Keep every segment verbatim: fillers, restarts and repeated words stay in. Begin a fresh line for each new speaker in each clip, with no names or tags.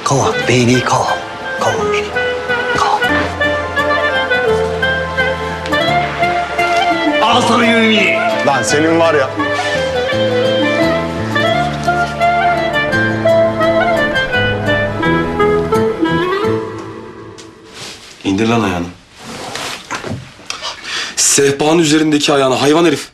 Kovan, beni kovan. Kovan beni. Kovan. Al sana yemeği.
Lan senin var ya.
İndir lan ayağını. Sehpanın üzerindeki ayağını hayvan herif.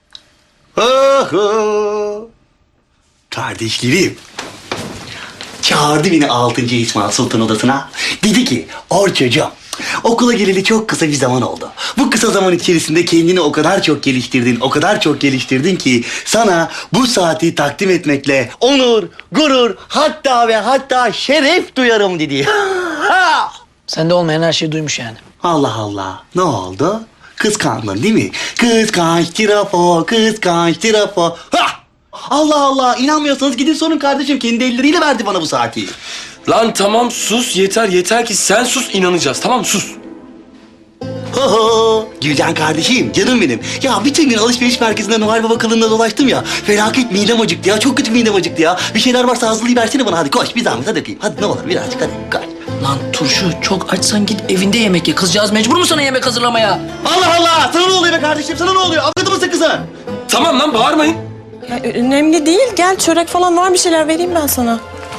Oho. Kardeşlerim. Çağırdı beni altıncı İsmail Sultan odasına. Dedi ki, Orçucuğum, okula geleli çok kısa bir zaman oldu. Bu kısa zaman içerisinde kendini o kadar çok geliştirdin, o kadar çok geliştirdin ki sana bu saati takdim etmekle onur, gurur, hatta ve hatta şeref duyarım dedi.
Sende olmayan her şeyi duymuş yani.
Allah Allah, ne oldu? Kıskandın değil mi? Kıskanç tirafo, kıskanç tirafo. Hah! Allah Allah, inanmıyorsanız gidin sorun kardeşim. Kendi elleriyle verdi bana bu saati.
Lan tamam sus yeter yeter ki sen sus inanacağız tamam mı sus.
Ho ho! Gülcan kardeşim, canım benim. Ya bütün gün alışveriş merkezinde Noel Baba kılığında dolaştım ya. Felaket midem acıktı ya, çok kötü midem acıktı ya. Bir şeyler varsa hazırlayıp versene bana, hadi koş bir zahmet, hadi öpeyim. Hadi ne olur birazcık, hadi koş.
Lan turşu çok açsan git evinde yemek ye. Kızcağız mecbur mu sana yemek hazırlamaya?
Allah Allah! Sana ne oluyor be kardeşim, sana ne oluyor? Avladı mısın kızı?
Tamam lan bağırmayın.
Ya, önemli değil. Gel çörek falan var bir şeyler vereyim ben sana.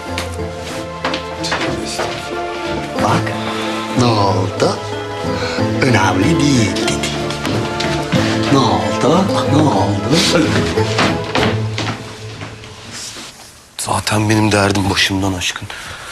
Bak, ne oldu? Önemli değil dedi. Ne oldu? Ne oldu?
Zaten benim derdim başımdan aşkın.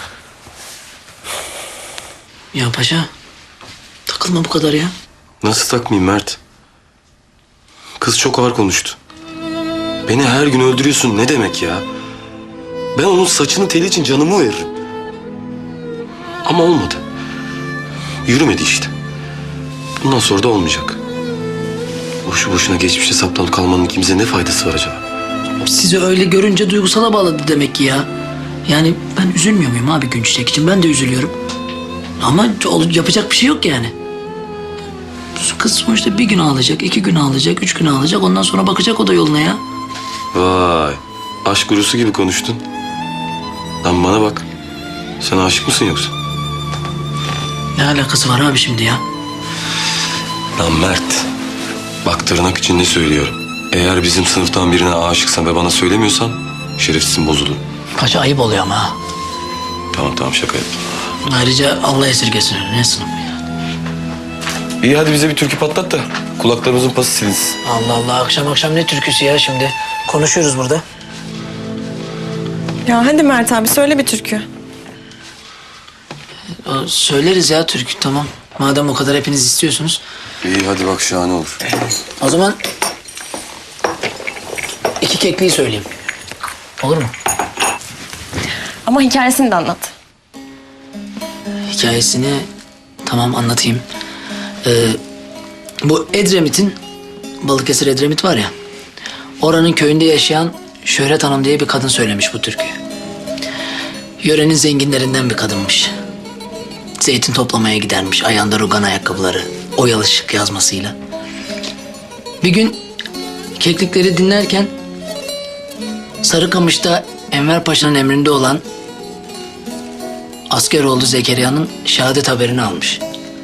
Ya paşa takılma bu kadar ya.
Nasıl takmayayım Mert? Kız çok ağır konuştu. Beni her gün öldürüyorsun ne demek ya? Ben onun saçını teli için canımı veririm. Ama olmadı. Yürümedi işte. Bundan sonra da olmayacak. Boşu boşuna geçmişte saplanıp kalmanın kimse ne faydası var acaba?
Sizi öyle görünce duygusala bağladı demek ki ya. Yani ben üzülmüyor muyum abi gün çiçek için? Ben de üzülüyorum. Ama yapacak bir şey yok yani. Kız sonuçta bir gün ağlayacak, iki gün ağlayacak, üç gün ağlayacak. Ondan sonra bakacak o da yoluna ya.
Vay, aşk gurusu gibi konuştun. Lan bana bak, sen aşık mısın yoksa?
Ne alakası var abi şimdi ya?
Lan Mert, bak tırnak içinde söylüyorum. Eğer bizim sınıftan birine aşıksan ve bana söylemiyorsan şerefsizin bozulur.
Paşa ayıp oluyor ama ha.
Tamam tamam şaka yaptım.
Ayrıca Allah esirgesin. Ne sınıfı ya?
İyi hadi bize bir türkü patlat da kulaklarımızın pası silinsin.
Allah Allah akşam akşam ne türküsü ya şimdi? Konuşuyoruz burada.
Ya hadi Mert abi söyle bir türkü.
O, söyleriz ya türkü tamam. Madem o kadar hepiniz istiyorsunuz.
İyi hadi bak şahane olur.
O zaman iki kekliği söyleyeyim. Olur mu?
Ama hikayesini de anlat.
Hikayesini tamam anlatayım. Ee, bu Edremit'in, Balıkesir Edremit var ya. Oranın köyünde yaşayan Şöhret Hanım diye bir kadın söylemiş bu türküyü. Yörenin zenginlerinden bir kadınmış. Zeytin toplamaya gidermiş. Ayağında rugan ayakkabıları, oyalı şık yazmasıyla. Bir gün keklikleri dinlerken Sarıkamış'ta Enver Paşa'nın emrinde olan Askeroğlu Zekeriya'nın şehadet haberini almış.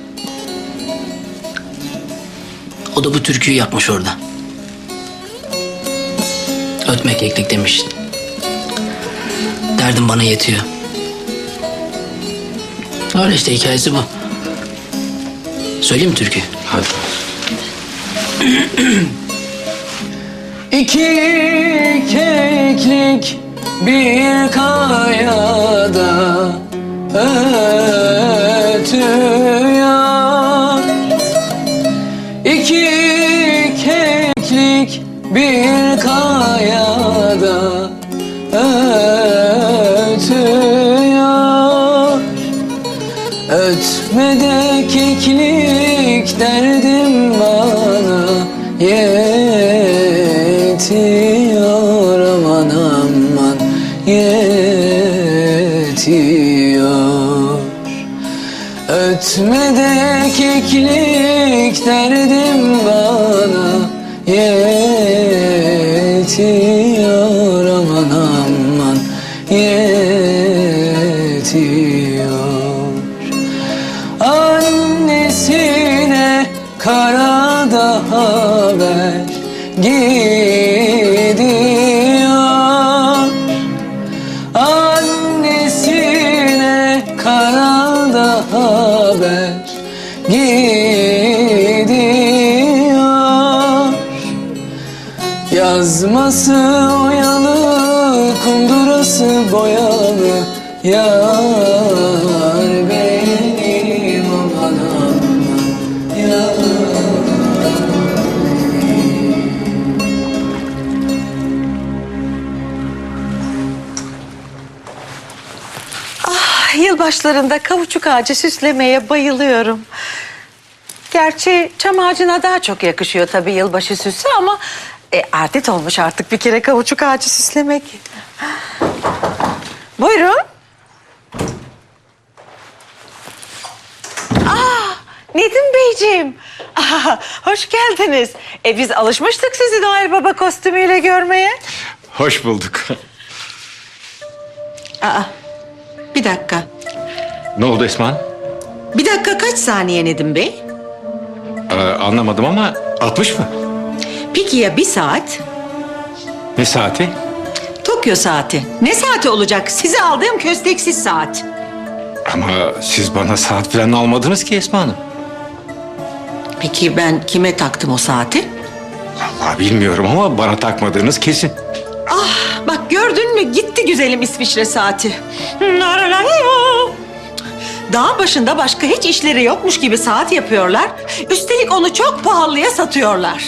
O da bu türküyü yapmış orada. Ötme keklik demiş. Derdim bana yetiyor. Öyle işte hikayesi bu. Söyleyeyim mi türküyü?
Hadi.
İki keklik bir kayada ötüyor. İki keklik bir kayada ötüyor. Ötme de keklik derdim bana yetiyor aman aman yetiyor. Ötme de keklik derdim bana yetiyor aman aman yetiyor. gidiyor. Annesine karada haber gidiyor. Yazması oyalı, kundurası boyalı, yar benim aman aman yar.
Yılbaşlarında kavuçuk ağacı süslemeye bayılıyorum. Gerçi çam ağacına daha çok yakışıyor tabii yılbaşı süsü ama... E, adet olmuş artık bir kere kavuçuk ağacı süslemek. Buyurun. Aa, Nedim Beyciğim. Aa, hoş geldiniz. E, biz alışmıştık sizi Noel Baba kostümüyle görmeye.
Hoş bulduk.
Aa, bir dakika.
Ne oldu Esma?
Bir dakika kaç saniye Nedim Bey?
Ee, anlamadım ama altmış mı?
Peki ya bir saat?
Ne saati?
Tokyo saati. Ne saati olacak? Size aldığım kösteksiz saat.
Ama siz bana saat falan almadınız ki Esma Hanım.
Peki ben kime taktım o saati?
Vallahi bilmiyorum ama bana takmadığınız kesin.
Ah bak gördün mü gitti güzelim İsviçre saati. Dağ başında başka hiç işleri yokmuş gibi saat yapıyorlar. Üstelik onu çok pahalıya satıyorlar.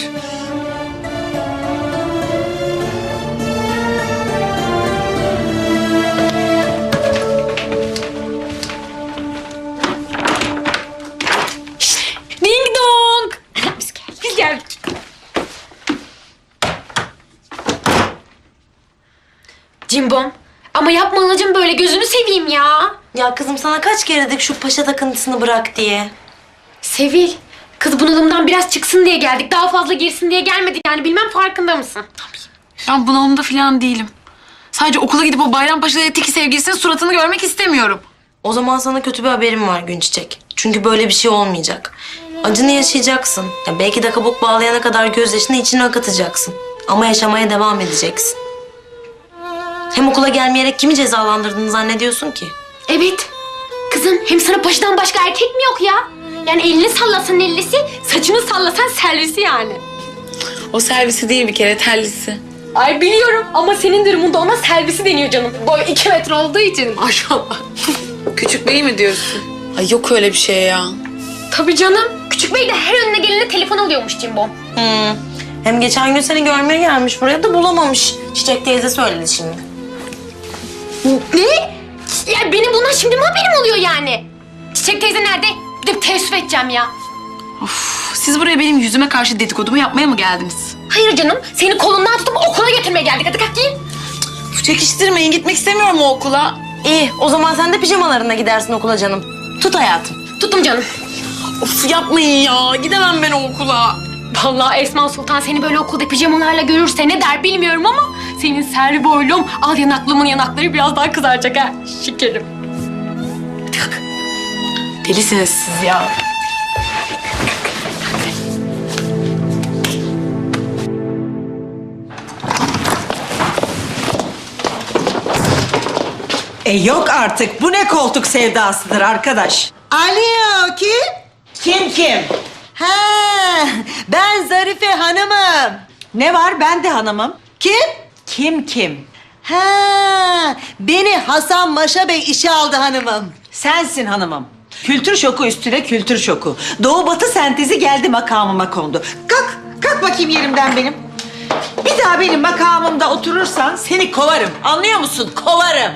Ding dong. Biz geldik. Biz geldik. Cimbom. Ama yapma anacığım böyle gözünü seveyim ya.
Ya kızım sana kaç kere dedik şu paşa takıntısını bırak diye.
Sevil. Kız bunalımdan biraz çıksın diye geldik. Daha fazla girsin diye gelmedik yani. Bilmem farkında mısın?
Ben bunalımda falan değilim. Sadece okula gidip o Bayrampaşa'da teki sevgilisinin suratını görmek istemiyorum.
O zaman sana kötü bir haberim var Günçiçek. Çünkü böyle bir şey olmayacak. Acını yaşayacaksın. Ya belki de kabuk bağlayana kadar gözyaşını içine akıtacaksın. Ama yaşamaya devam edeceksin. Hem okula gelmeyerek kimi cezalandırdığını zannediyorsun ki?
Evet. Kızım hem sana başından başka erkek mi yok ya? Yani elini sallasan ellisi, saçını sallasan servisi yani.
O servisi değil bir kere tellisi.
Ay biliyorum ama senin durumunda ona servisi deniyor canım. Boy iki metre olduğu için maşallah.
Küçük bey mi diyorsun? Ay yok öyle bir şey ya.
Tabii canım. Küçük bey de her önüne gelene telefon alıyormuş Cimbom.
Hmm. Hem geçen gün seni görmeye gelmiş buraya da bulamamış. Çiçek teyze söyledi şimdi.
Ne? Ya benim bundan şimdi mi haberim oluyor yani? Çiçek teyze nerede? Bir de bir teessüf edeceğim ya.
Of, siz buraya benim yüzüme karşı dedikodumu yapmaya mı geldiniz?
Hayır canım. Seni kolundan tutup okula götürmeye geldik. Hadi kalk giyin.
Uf, çekiştirmeyin, gitmek istemiyorum o okula.
İyi o zaman sen de pijamalarına gidersin okula canım. Tut hayatım.
Tuttum canım.
Of yapmayın ya, gidemem ben o okula.
Vallahi Esma Sultan seni böyle okulda pijamalarla görürse ne der bilmiyorum ama... ...senin servi boylum, al yanaklımın yanakları biraz daha kızaracak ha. Şekerim. Hadi kalk.
Delisiniz siz ya.
E yok artık. Bu ne koltuk sevdasıdır arkadaş?
Alo kim? Kim kim? Ha, ben Zarife Hanım'ım.
Ne var? Ben de hanımım.
Kim?
Kim kim?
Ha, beni Hasan Maşa Bey işe aldı hanımım.
Sensin hanımım. Kültür şoku üstüne kültür şoku. Doğu batı sentezi geldi makamıma kondu. Kalk, kalk bakayım yerimden benim. Bir daha benim makamımda oturursan seni kovarım. Anlıyor musun? Kovarım.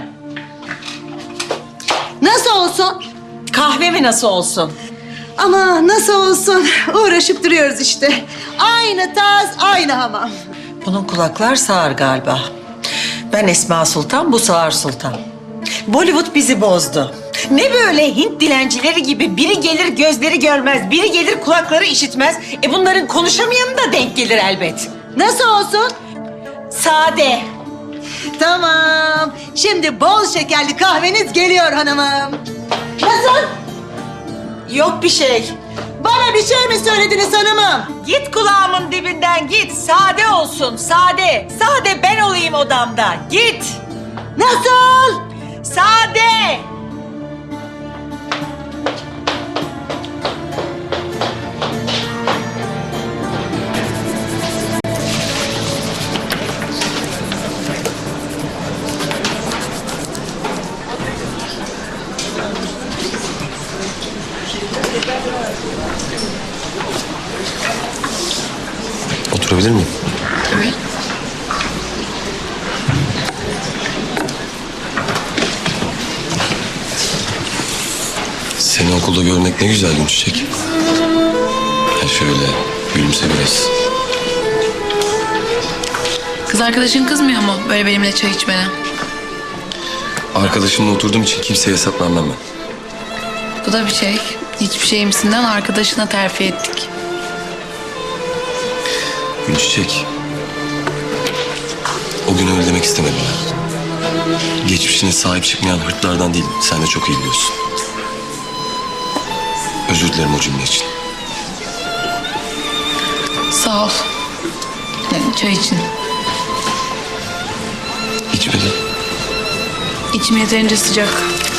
Nasıl olsun?
Kahvemi nasıl olsun?
Ama nasıl olsun? Uğraşıp duruyoruz işte. Aynı taz, aynı hamam.
Bunun kulaklar sağır galiba. Ben Esma Sultan, bu Sağır Sultan. Bollywood bizi bozdu. Ne böyle Hint dilencileri gibi biri gelir gözleri görmez, biri gelir kulakları işitmez. E bunların konuşamayanı da denk gelir elbet.
Nasıl olsun?
Sade.
Tamam. Şimdi bol şekerli kahveniz geliyor hanımım. Nasıl?
Yok bir şey.
Bana bir şey mi söylediniz hanımım?
Git kulağımın dibinden git. Sade olsun, sade. Sade ben olayım odamda. Git.
Nasıl?
Sade.
Oturabilir miyim? Seni okulda görmek ne güzel Gülçiçek. Ya şöyle gülümse biraz.
Kız arkadaşın kızmıyor mu böyle benimle çay içmene?
Arkadaşımla oturduğum için kimseye hesap vermem ben.
Bu da bir şey. Hiçbir şeyimsinden arkadaşına terfi ettik.
Gülçiçek. O gün öyle demek istemedim ben. Geçmişine sahip çıkmayan hırtlardan değilim. Sen de çok iyi biliyorsun. Özür dilerim o cümle için.
Sağ ol. Yani çay için.
İçmedi.
İçim yeterince sıcak.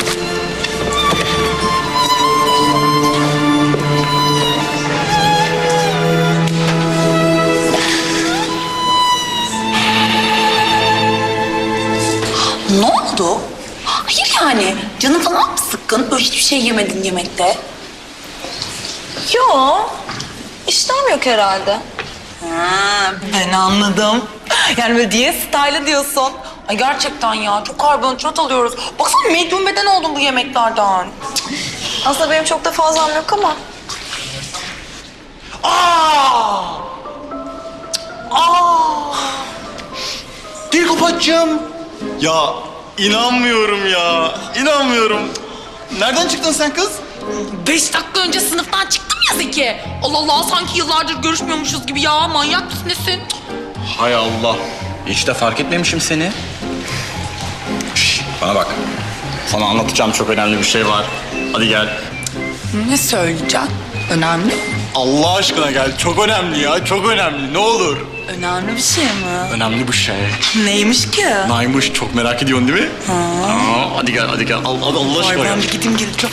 Ne oldu? Hayır yani. Canın falan mı sıkkın? Böyle hiçbir şey yemedin yemekte.
Yo. İştahım yok herhalde.
Ha, ben anladım. Yani böyle diyet style diyorsun. Ay gerçekten ya çok karbonhidrat alıyoruz. Baksana medyum beden oldum bu yemeklerden.
Aslında benim çok da fazlam yok ama.
Aa! Aa! Dilkopatçığım. Ya inanmıyorum ya. İnanmıyorum. Nereden çıktın sen kız?
Beş dakika önce sınıftan çıktım ya Zeki. Allah Allah sanki yıllardır görüşmüyormuşuz gibi ya. Manyak mısın nesin?
Hay Allah. Hiç de fark etmemişim seni. Şş, bana bak. Sana anlatacağım çok önemli bir şey var. Hadi gel.
Ne söyleyeceksin? Önemli.
Allah aşkına gel. Çok önemli ya. Çok önemli. Ne olur.
Önemli bir şey mi?
Önemli bir şey.
Neymiş ki?
Naymış. Çok merak ediyorsun değil mi?
Ha.
Aa, hadi gel, hadi gel. Al, hadi Allah aşkına
Ay ben
gel.
bir gideyim geleceğim.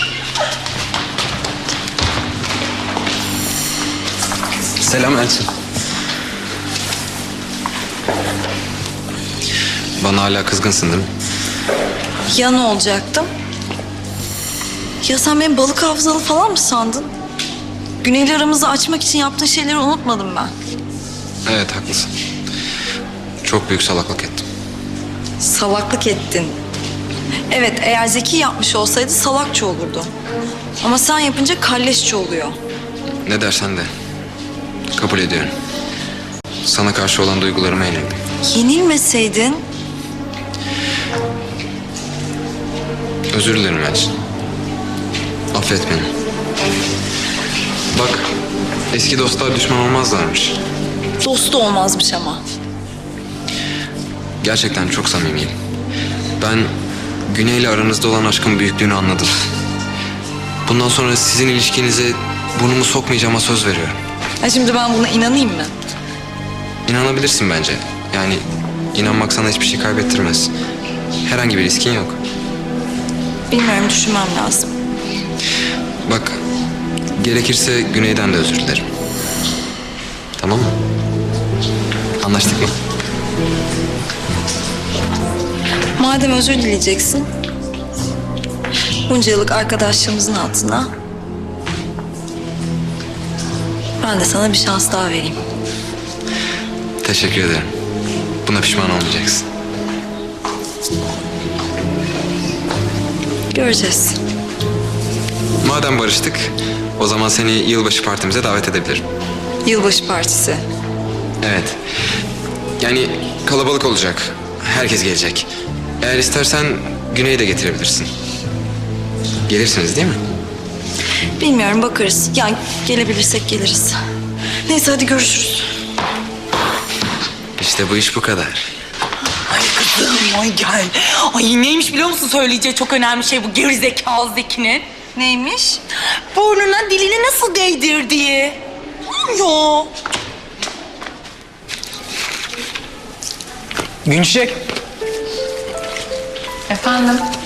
Selam Elçin. Bana hala kızgınsın değil mi?
Ya ne olacaktım? Ya sen benim balık hafızalı falan mı sandın? Güney'le aramızı açmak için yaptığın şeyleri unutmadım ben.
Evet haklısın. Çok büyük salaklık ettim.
Salaklık ettin. Evet, eğer Zeki yapmış olsaydı salakça olurdu. Ama sen yapınca kalleşçe oluyor.
Ne dersen de. Kabul ediyorum. Sana karşı olan duygularıma yenildim.
Yenilmeseydin
Özür dilerim Elçin. Affet beni. Bak, eski dostlar düşman olmazlarmış.
dostu olmazmış ama.
Gerçekten çok samimiyim. Ben Güney'le aranızda olan aşkın büyüklüğünü anladım. Bundan sonra sizin ilişkinize burnumu sokmayacağıma söz veriyorum.
Ha şimdi ben buna inanayım mı?
İnanabilirsin bence. Yani inanmak sana hiçbir şey kaybettirmez. Herhangi bir riskin yok.
Bilmiyorum, düşünmem lazım.
Bak, gerekirse Güney'den de özür dilerim. Tamam mı? Anlaştık mı?
Madem özür dileyeceksin, bunca yıllık arkadaşlığımızın altına ben de sana bir şans daha vereyim.
Teşekkür ederim. Buna pişman olmayacaksın.
Göreceğiz.
Madem barıştık, o zaman seni yılbaşı partimize davet edebilirim.
Yılbaşı partisi.
Evet. Yani kalabalık olacak. Herkes gelecek. Eğer istersen Güney'i de getirebilirsin. Gelirsiniz değil mi?
Bilmiyorum, bakarız. Yani gelebilirsek geliriz. Neyse hadi görüşürüz.
İşte bu iş bu kadar.
Ay kızım ay gel. Ay neymiş biliyor musun söyleyeceği çok önemli şey bu gerizekalı Zeki'nin.
Neymiş?
Burnuna dilini nasıl değdirdiği. Ya.
Günçiçek.
Efendim?